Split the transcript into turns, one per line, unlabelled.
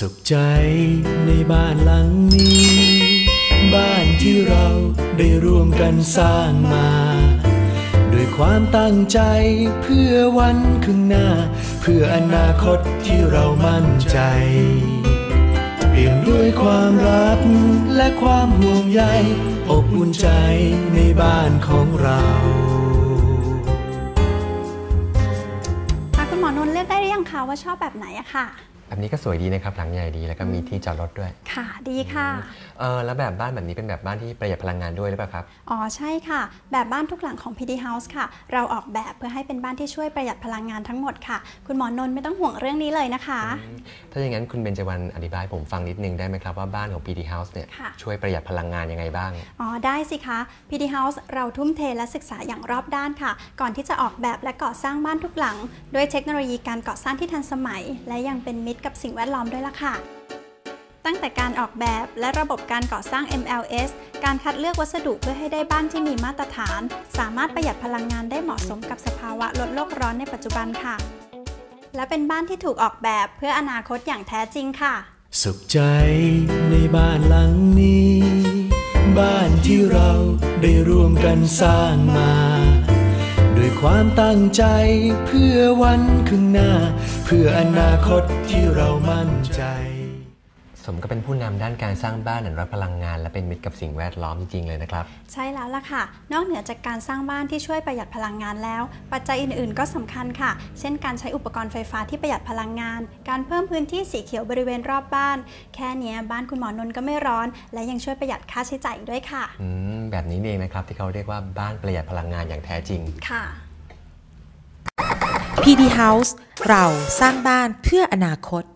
สุขใจในบ้านหลังนี้บ้านที่เราได้ร่วมกันสร้างมาด้วยความตั้งใจเพื่อวันข้างหน้าเพื่ออนาคตที่เรามั่นใจเปี่ยมด้วยความรักและความห่วงใยอบอุ่นใจในบ้านของเรา
คุณหมอนนท์เลือกได้หรือยังคะว่าชอบแบบไหนอะค่ะ
แบบนี้ก็สวยดีนะครับหลังใหญ่ดีแล้วก็มีที่จอดรถด้วย
ค่ะดีค่ะ
แล้วแบบบ้านแบบนี้เป็นแบบบ้านที่ประหยัดพลังงานด้วยหรือเปล่าครับ
อ๋อใช่ค่ะแบบบ้านทุกหลังของ PD House ค่ะเราออกแบบเพื่อให้เป็นบ้านที่ช่วยประหยัดพลังงานทั้งหมดค่ะคุณหมอนนท์ไม่ต้องห่วงเรื่องนี้เลยนะคะ
ถ้าอย่างนั้นคุณเบญจวรรณอธิบายผมฟังนิดนึงได้ไหมครับว่าบ้านของ PD House เนี่ยช่วยประหยัดพลังงานยังไงบ้าง
อ๋อได้สิคะ PD House เราทุ่มเทและศึกษาอย่างรอบด้านค่ะก่อนที่จะออกแบบและก่อสร้างบ้านทุกหลังด้วยเทคโนโลยีการก่อสร้างที่ทันสมัยและยังเป็นมิตรกับสิ่งแวดล้อมด้วยล่ะค่ะตั้งแต่การออกแบบและระบบการก่อสร้าง MLS การคัดเลือกวัสดุเพื่อให้ได้บ้านที่มีมาตรฐานสามารถประหยัดพลังงานได้เหมาะสมกับสภาวะลดโลกร้อนในปัจจุบันค่ะและเป็นบ้านที่ถูกออกแบบเพื่ออนาคตอย่างแท้จริงค่ะ
สุขใจในบ้านหลังนี้บ้านที่เราได้ร่วมกันสร้างมาด้วยความตั้งใจเพื่อวันข้างหน้าเพื่ออนาคตที่เรามั่นใจ
สมก็เป็นผู้นำด้านการสร้างบ้านอันรักพลังงานและเป็นมิตรกับสิ่งแวดล้อมจริงๆเลยนะครับ
ใช่แล้วล่ะค่ะนอกเหนือจากการสร้างบ้านที่ช่วยประหยัดพลังงานแล้วปัจจัยอื่นๆก็สำคัญค่ะเช่นการใช้อุปกรณ์ไฟฟ้าที่ประหยัดพลังงานการเพิ่มพื้นที่สีเขียวบริเวณรอบบ้านแค่นี้บ้านคุณหมอนนท์ก็ไม่ร้อนและยังช่วยประหยัดค่าใช้จ่ายด้วยค่ะ
แบบนี้เองนะครับที่เขาเรียกว่าบ้านประหยัดพลังงานอย่างแท้จริง
ค่ะ
PD House เราสร้างบ้านเพื่ออนาคต